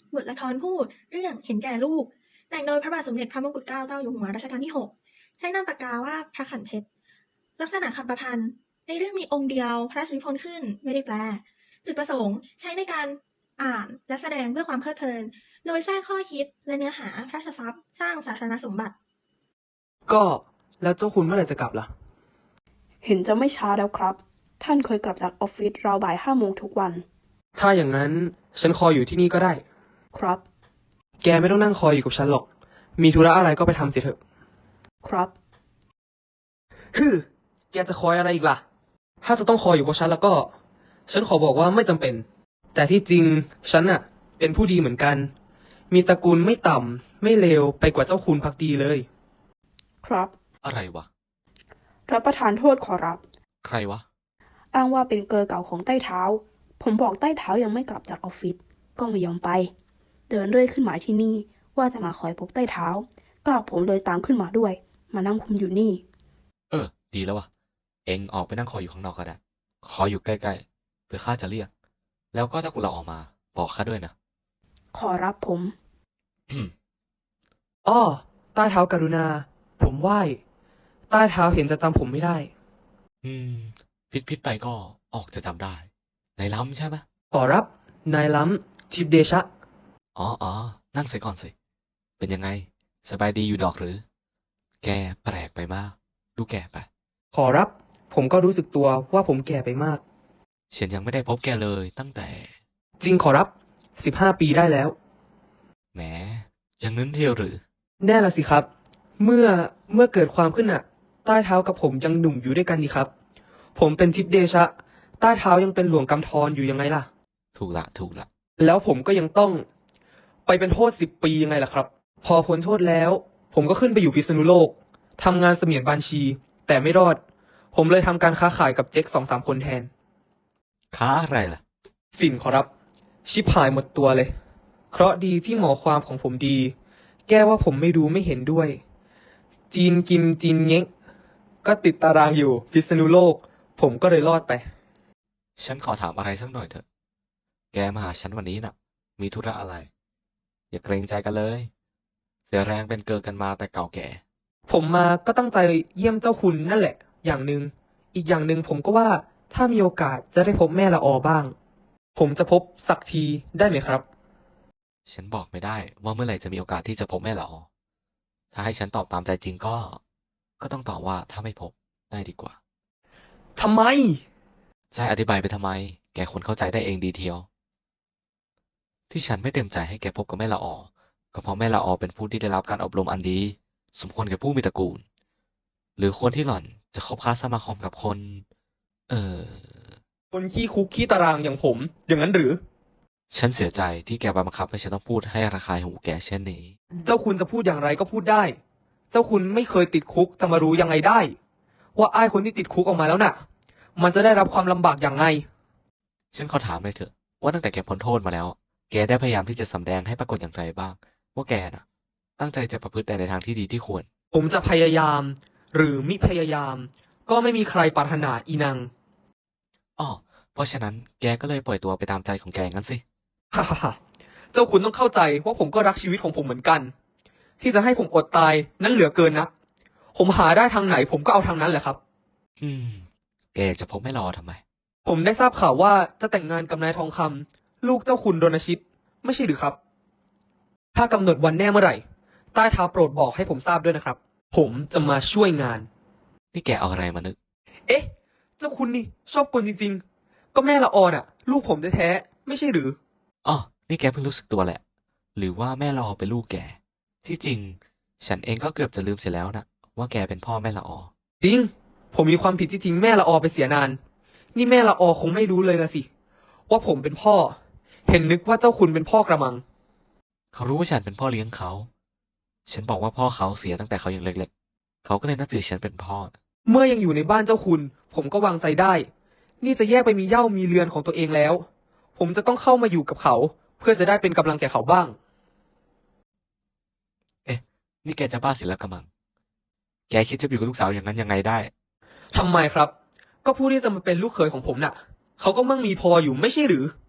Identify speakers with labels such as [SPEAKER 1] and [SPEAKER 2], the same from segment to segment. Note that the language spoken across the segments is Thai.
[SPEAKER 1] บทละครพูดเรื่องเห็นแก่ลูกแต่งโดยพระบาทสมเด็จพระมงกุฎเกล้าเจ้าอยู่หัวรัชกาลที่ 6ใช้นามปากกาว่าพระขันเพชรลักษณะคำประพันธ์ในเรื่องมีองค์เดียวพระราชนิพนธ์ขึ้นไม่ได้แปลจุดประสงค์ใช้ในการอ่านและแสดงเพื่อความเพลิดเพลินโดยแทรกข้อคิดและเนื้อหาพระราชทรัพย์สร้างสาธารณสมบัติ
[SPEAKER 2] ก็แล้วเจ้าคุณเมื่อไหร่จะกลับล่ะ
[SPEAKER 3] เห็นจะไม่ช้าแล้วครับท่านเคยกลับจากออฟฟิศราวบ่าย5 โมงทุกวัน
[SPEAKER 2] ถ้าอย่างนั้นฉันคอยอยู่ที่นี่ก็ได้
[SPEAKER 3] ครับ
[SPEAKER 2] แกไม่ต้องนั่งคอยอยู่กับฉันหรอกมีธุระอะไรก็ไปทำเสียเถอะ
[SPEAKER 3] ครับ
[SPEAKER 2] แกจะคอยอะไรอีกล่ะถ้าจะต้องคอยอยู่กับฉันแล้วก็ฉันขอบอกว่าไม่จำเป็นแต่ที่จริงฉันน่ะเป็นผู้ดีเหมือนกันมีตระกูลไม่ต่ำไม่เลวไปกว่าเจ้าคุณภักดีเลย
[SPEAKER 3] ครับ
[SPEAKER 4] อะไรวะ
[SPEAKER 3] รับประทานโทษขอรับ
[SPEAKER 4] ใครวะ
[SPEAKER 3] อ้างว่าเป็นเกอเก่าของใต้เท้าผมบอกใต้เท้ายังไม่กลับจากออฟฟิศก็ไม่ยอมไปเดินเรื่อยขึ้นมาที่นี่ว่าจะมาคอยพบใต้เท้ากลากผมเลยตามขึ้นมาด้วยมานั่งคุมอยู่นี่
[SPEAKER 4] ดีแล้ววะเอ็งออกไปนั่งคอยอยู่ข้างนอกก็ได้ขออยู่ใกล้ๆเพื่อข้าจะเรียกแล้วก็ถ้าคุณเราออกมาบอกข้าด้วยนะ
[SPEAKER 3] ขอรับผม
[SPEAKER 2] อ้อใต้เท้ากรุณาผมไหว้ใต้เท้าเห็นจะจำผมไม่ได้
[SPEAKER 4] อืมพิษไปก็ออกจะจำได้ในล้ำใช่ไหม
[SPEAKER 2] ขอรับนายล้ำทิพเดชะ
[SPEAKER 4] อ๋อนั่งเสียก่อนสิเป็นยังไงสบายดีอยู่ดอกหรือแกแปลกไปมากดูแก่ไป
[SPEAKER 2] ขอรับผมก็รู้สึกตัวว่าผมแก่ไปมาก
[SPEAKER 4] ฉันยังไม่ได้พบแกเลยตั้งแต่
[SPEAKER 2] จริงขอรับ15 ปีได้แล้ว
[SPEAKER 4] แหมยังนึ้นเที่ยวหรือ
[SPEAKER 2] แน่ละสิครับเมื่อเกิดความขึ้นน่ะใต้เท้ากับผมยังหนุ่มอยู่ด้วยกันนี่ครับผมเป็นทิพเดชะใต้เท้ายังเป็นหลวงกำธรอยู่ยังไงล่ะ
[SPEAKER 4] ถูกละ
[SPEAKER 2] แล้วผมก็ยังต้องไปเป็นโทษ10 ปียังไงล่ะครับพอพ้นโทษแล้วผมก็ขึ้นไปอยู่พิษณุโลกทำงานเสมียนบัญชีแต่ไม่รอดผมเลยทำการค้าขายกับเจ๊ก2-3 คนแทน
[SPEAKER 4] ค้าอะไรล่ะ
[SPEAKER 2] ฝิ่นขอรับชิบหายหมดตัวเลยเคราะห์ดีที่หมอความของผมดีแก้ว่าผมไม่รู้ไม่เห็นด้วยจีนกินจีนเง้งก็ติดตารางอยู่พิษณุโลกผมก็เลยรอดไป
[SPEAKER 4] ฉันขอถามอะไรสักหน่อยเถอะแกมาหาฉันวันนี้น่ะมีธุระอะไรอย่าเกรงใจกันเลยเสียแรงเป็นเกินกันมาแต่เก่าแก่
[SPEAKER 2] ผมมาก็ตั้งใจเยี่ยมเจ้าคุณนั่นแหละอย่างหนึ่งอีกอย่างหนึ่งผมก็ว่าถ้ามีโอกาสจะได้พบแม่ละออบ้างผมจะพบสักทีได้ไหมครับ
[SPEAKER 4] ฉันบอกไม่ได้ว่าเมื่อไหร่จะมีโอกาสที่จะพบแม่หรอถ้าให้ฉันตอบตามใจจริงก็ต้องตอบว่าถ้าไม่พบได้ดีกว่า
[SPEAKER 2] ทำไม
[SPEAKER 4] จะอธิบายไปทำไมแกคนเข้าใจได้เองดีเทียวที่ฉันไม่เต็มใจให้แกพบกับแม่ละออก็เพราะแม่ละออเป็นผู้ที่ได้รับการอบรมอันดีสมควรแก่ผู้มีตระกูลหรือคนที่หล่อนจะคบค้าสมาคมกับคน เออ
[SPEAKER 2] คนขี้คุกขี้ตารางอย่างผมอย่างนั้นหรือ
[SPEAKER 4] ฉันเสียใจที่แกบังคับให้ฉันต้องพูดให้ระคายหูแกเช่นนี้
[SPEAKER 2] เจ้าคุณจะพูดอย่างไรก็พูดได้เจ้าคุณไม่เคยติดคุกจะมารู้ยังไงได้ว่าอ้ายคนที่ติดคุกออกมาแล้วน่ะมันจะได้รับความลำบากอย่างไง
[SPEAKER 4] ฉันขอถามเลยเถอะว่าตั้งแต่แกพ้นโทษมาแล้วแกได้พยายามที่จะสำแดงให้ปรากฏอย่างไรบ้างว่าแกน่ะตั้งใจจะประพฤติแต่ในทางที่ดีที่ควร
[SPEAKER 2] ผมจะพยายามหรือมิพยายามก็ไม่มีใครปรารถนาอีนัง
[SPEAKER 4] อ้อเพราะฉะนั้นแกก็เลยปล่อยตัวไปตามใจของแกงั้นสิ
[SPEAKER 2] ฮ่าฮ่าฮ่าเจ้าคุณต้องเข้าใจว่าผมก็รักชีวิตของผมเหมือนกันที่จะให้ผมอดตายนั้นเหลือเกินนะผมหาได้ทางไหนผมก็เอาทางนั้นแหละครับ
[SPEAKER 4] แกอยากจะพบไม่รอทำไม
[SPEAKER 2] ผมได้ทราบข่าวว่าจะแต่งงานกับนายทองคำลูกเจ้าคุณรณชิตไม่ใช่หรือครับถ้ากำหนดวันแน่เมื่อไหร่ใต้เท้าโปรดบอกให้ผมทราบด้วยนะครับผมจะมาช่วยงาน
[SPEAKER 4] นี่แกเอาอะไรมานึก
[SPEAKER 2] เอ๊ะเจ้าคุณนี่ชอบกลจริงๆก็แม่ละออน่ะลูกผมแท้ๆไม่ใช่หรือ
[SPEAKER 4] อ๋อนี่แกเพิ่งรู้สึกตัวแหละหรือว่าแม่ละออเป็นลูกแกที่จริงฉันเองก็เกือบจะลืมเสียแล้วนะว่าแกเป็นพ่อแม่ละออ
[SPEAKER 2] จริงผมมีความผิดที่ทิ้งแม่ละออไปเสียนานนี่แม่ละออคงไม่รู้เลยนะสิว่าผมเป็นพ่อเห็นนึกว่าเจ้าคุณเป็นพ่อกระมัง
[SPEAKER 4] เขารู้ว่าฉันเป็นพ่อเลี้ยงเขาฉันบอกว่าพ่อเขาเสียตั้งแต่เขายังเล็กๆเขาก็เลยนับถือฉันเป็นพ่อ
[SPEAKER 2] เมื่อยังอยู่ในบ้านเจ้าคุณผมก็วางใจได้นี่จะแยกไปมีเหย้ามีเรือนของตัวเองแล้วผมจะต้องเข้ามาอยู่กับเขาเพื่อจะได้เป็นกำลังแก่เขาบ้าง
[SPEAKER 4] เอ๊ะนี่แกจะบ้าเสียแล้วกระมังแกคิดจะอยู่กับลูกสาวอย่างนั้นยังไงได้
[SPEAKER 2] ทำไมครับก็ผู้ที่จะมาเป็นลูกเขยของผมน่ะเขาก็มั่งมีพออยู่ไม่ใช่หรือ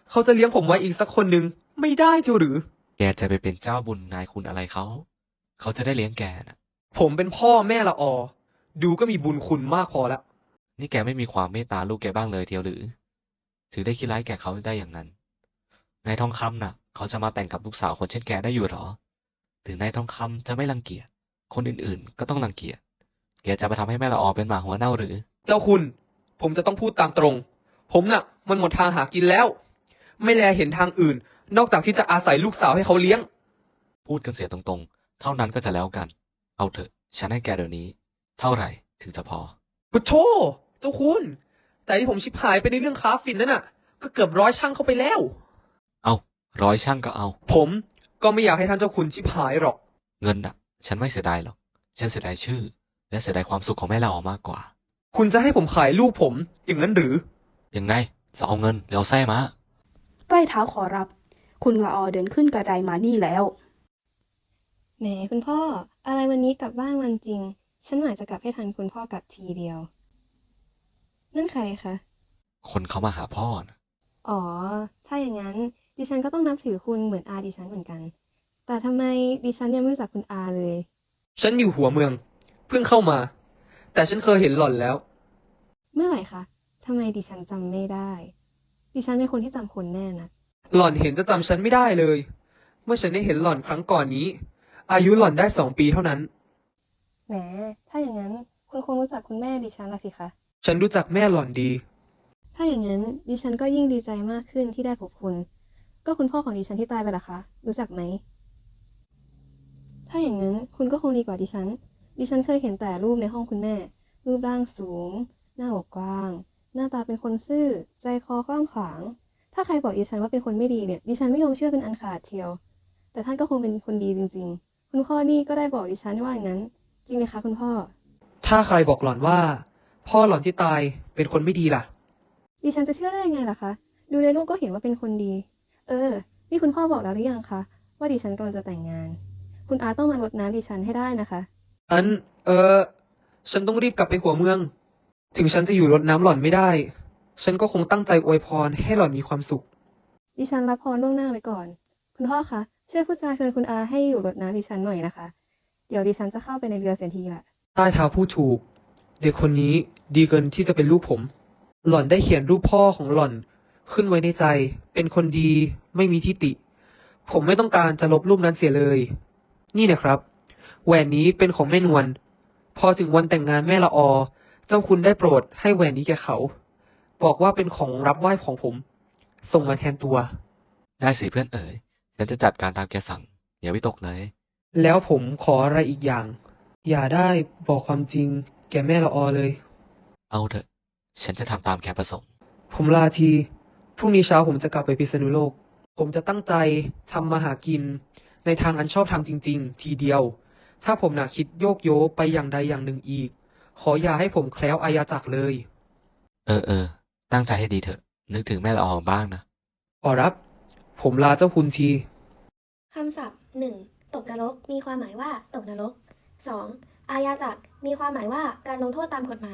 [SPEAKER 2] เขาจะเลี้ยงผมไว้อีกสักคนหนึ่งไม่ได้เจียวหรือ
[SPEAKER 4] แกจะไปเป็นเจ้าบุญนายคุณอะไรเขา เขาจะได้เลี้ยงแกนะ
[SPEAKER 2] ผมเป็นพ่อแม่ละออ ดูก็มีบุญคุณมากพอแล้ว
[SPEAKER 4] นี่แกไม่มีความเมตตาลูกแกบ้างเลยเทียวหรือ ถึงได้คิดร้ายแกเขาได้อย่างนั้น นายทองคำน่ะ เขาจะมาแต่งกับลูกสาวคนเช่นแกได้อยู่หรอ ถึงนายทองคำจะไม่รังเกียจ คนอื่นๆ ก็ต้องรังเกียจ แกจะไปทำให้แม่ละออเป็นหมาหัวเน่าหรือ
[SPEAKER 2] เจ้าคุณ ผมจะต้องพูดตามตรง ผมน่ะ มันหมดทางหากินแล้ว ไม่แลเห็นทางอื่น นอกจากที่จะอาศัยลูกสาวให้เขาเลี้ยง
[SPEAKER 4] พูดกันเสียตรงๆ เท่านั้นก็จะแล้วกัน เอาเถอะ ฉันให้แกเดี๋ยวนี้ เท่าไหร่ถึงจะพอ
[SPEAKER 2] พุทโธเจ้าคุณ แต่ที่ผมชิบหายไปในเรื่องค้าฝิ่นนั่นน่ะ ก็เกือบ100 ช่างเข้าไปแล้ว
[SPEAKER 4] เอา100 ช่างก็เอา
[SPEAKER 2] ผมก็ไม่อยากให้ท่านเจ้าคุณชิบหายหรอก
[SPEAKER 4] เงินน่ะ ฉันไม่เสียดายหรอก ฉันเสียดายชื่อ และเสียดายความสุขของแม่ละออมากกว่า
[SPEAKER 2] คุณจะให้ผมขายลูกผมอย่างนั้นหรือ
[SPEAKER 4] ยังไง จะเอาเงินหรือเอาไส้มา
[SPEAKER 3] ใต้เท้าขอรับ คุณละออเดินขึ้นกระไดมานี่แล้ว
[SPEAKER 5] แหมคุณพ่อ อะไรวันนี้กลับบ้านวันจริง ฉันหมายจะกลับให้ทันคุณพ่อกลับทีเดียว นั่นใครคะ
[SPEAKER 4] คนเขามาหาพ่อนะ
[SPEAKER 5] อ๋อ ถ้าอย่างนั้น ดิฉันก็ต้องนับถือคุณเหมือนอาดิฉันเหมือนกัน แต่ทำไมดิฉันยังไม่รู้จักคุณอาเลย
[SPEAKER 2] ฉันอยู่หัวเมือง เพิ่งเข้ามา แต่ฉันเคยเห็นหล่อนแล้ว
[SPEAKER 5] เมื่อไหร่คะทำไมดิฉันจำไม่ได้ ดิฉันเป็นคนที่จำคนแน่นะ
[SPEAKER 2] หล่อนเห็นจะจำฉันไม่ได้เลย เมื่อฉันได้เห็นหล่อนครั้งก่อนนี้ อายุหล่อนได้2 ปีเท่านั้น
[SPEAKER 5] แหม ถ้าอย่างนั้นคุณคงรู้จักคุณแม่ดิฉันละสิคะ
[SPEAKER 2] ฉันรู้จักแม่หล่อนดี
[SPEAKER 5] ถ้าอย่างนั้นดิฉันก็ยิ่งดีใจมากขึ้นที่ได้พบคุณ ก็คุณพ่อของดิฉันที่ตายไปล่ะคะ รู้จักไหม ถ้าอย่างนั้นคุณก็คงดีกว่าดิฉัน ดิฉันเคยเห็นแต่รูปในห้องคุณแม่ รูปร่างสูง หน้าอกกว้าง หน้าตาเป็นคนซื่อ ใจคอกว้างขวาง ถ้าใครบอกดิฉันว่าเป็นคนไม่ดีเนี่ย ดิฉันไม่ยอมเชื่อเป็นอันขาดเทียว แต่ท่านก็คงเป็นคนดีจริงๆ คุณพ่อนี่ก็ได้บอกดิฉันว่าอย่างนั้น จริงไหมคะคุณพ่อ
[SPEAKER 2] ถ้าใครบอกหล่อนว่า พ่อหล่อนที่ตายเป็นคนไม่ดีล่ะ
[SPEAKER 5] ดิฉันจะเชื่อได้ยังไงล่ะคะ ดูในรูปก็เห็นว่าเป็นคนดี นี่คุณพ่อบอกแล้วหรือยังคะ ว่าดิฉันกำลังจะแต่งงาน คุณอาต้องมารดน้ำดิฉันให้ได้นะคะ
[SPEAKER 2] ฉันต้องรีบกลับไปหัวเมือง ถึงฉันจะอยู่รดน้ำหล่อนไม่ได้ ฉันก็คงตั้งใจอวยพรให้หล่อนมีความสุข
[SPEAKER 5] ดิฉันรับพรล่วงหน้าไว้ก่อน คุณพ่อคะ ช่วยพูดจาเชิญคุณอาให้อยู่รดน้ำดิฉันหน่อยนะคะ เดี๋ยวดิฉันจะเข้าไปในเรือเสียทีละ
[SPEAKER 2] ใต้เท้าพูดถูก เด็กคนนี้ดีเกินที่จะเป็นลูกผม หล่อนได้เขียนรูปพ่อของหล่อน ขึ้นไว้ในใจ เป็นคนดีไม่มีทิฏฐิ ผมไม่ต้องการจะลบรูปนั้นเสียเลย นี่นะครับ แหวนนี้เป็นของแม่นวล พอถึงวันแต่งงานแม่ละออ เจ้าคุณได้โปรดให้แหวนนี้แก่เขา บอกว่าเป็นของรับไหว้ของผม ส่งมาแทนตัว
[SPEAKER 4] ได้สิเพื่อนเอ๋ย ฉันจะจัดการตามแกสั่ง อย่าวิตกเลย
[SPEAKER 2] แล้วผมขออะไรอีกอย่าง อย่าได้บอกความจริงแก่แม่ละออเลย
[SPEAKER 4] เอาเถอะ ฉันจะทำตามแกประสงค์
[SPEAKER 2] ผมลาที พรุ่งนี้เช้าผมจะกลับไปพิษณุโลก ผมจะตั้งใจทำมาหากิน ในทางอันชอบธรรมจริง ๆ ทีเดียว ถ้าผมน่ะคิดโยกโยไปอย่างใดอย่างหนึ่งอีก ขออย่าให้ผมแคล้วอายาจักรเลย
[SPEAKER 4] ตั้งใจให้ดีเถอะ นึกถึงแม่ละออบ้างนะ
[SPEAKER 2] ขอรับ ผมลาเจ้าคุณที
[SPEAKER 6] คำศัพท์ 1. ตกนรก มีความหมายว่าตกนรก 2. อาญาจักร มีความหมายว่าการลงโทษตามกฎหมาย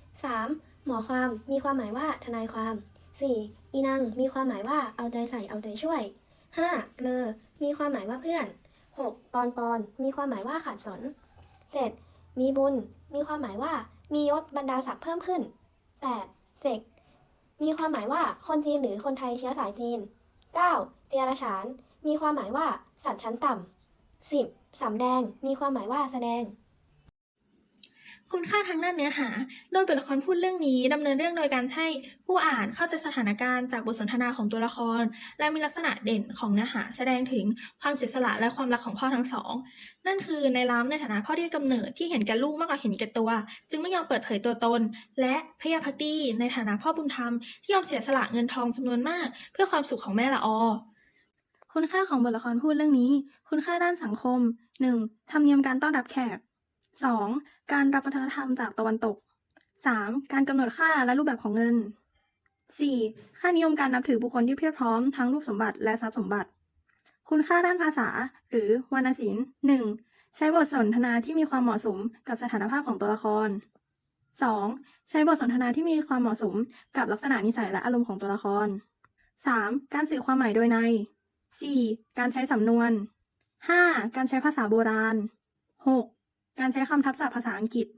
[SPEAKER 6] 3. หมอความ มีความหมายว่าทนายความ 4. อีนัง มีความหมายว่าเอาใจใส่เอาใจช่วย 5. เกลอ มีความหมายว่าเพื่อน 6. ปอน มีความหมายว่าขาดสน 7. มีบุญ มีความหมายว่ามียศบรรดาศักดิ์เพิ่มขึ้น 8. เจก มีความหมายว่าคนจีนหรือคนไทยเชื้อสายจีน 9. เตียรฉาน มีความหมายว่าสัตว์ชั้นต่ำ 10. สำแดง มีความหมายว่าแสดง
[SPEAKER 1] คุณค่าทางด้านเนื้อหา โดยบทละครพูดเรื่องนี้ดำเนินเรื่องโดยการให้ผู้อ่านเข้าใจสถานการณ์จากบทสนทนาของตัวละคร และมีลักษณะเด่นของเนื้อหาแสดงถึงความเสียสละและความรักของพ่อทั้งสอง นั่นคือในล้ำในฐานะพ่อที่ให้กำเนิดที่เห็นแก่ลูกมากกว่าเห็นแก่ตัว จึงไม่ยอมเปิดเผยตัวตน และพยาพักดีในฐานะพ่อบุญธรรมที่ยอมเสียสละเงินทองจำนวนมาก เพื่อความสุขของแม่ละออ คุณค่าของบทละครพูดเรื่องนี้ คุณค่าด้านสังคม 1. ธรรมเนียมการต้อนรับแขก 2. การรับวัฒนธรรมจากตะวันตก 3. การกำหนดค่าและรูปแบบของเงิน 4. ค่านิยมการนับถือบุคคลที่เพียบพร้อมทั้งรูปสมบัติและทรัพย์สมบัติ คุณค่าด้านภาษา หรือวรรณศิลป์ 1. ใช้บทสนทนาที่มีความเหมาะสมกับสถานภาพของตัวละคร 2. ใช้บทสนทนาที่มีความเหมาะสมกับลักษณะนิสัยและอารมณ์ของตัวละคร 3. การสื่อความหมายโดยใน 4. การใช้สำนวน 5. การใช้ภาษาโบราณ 6. การใช้คำทับศัพท์ภาษาอังกฤษ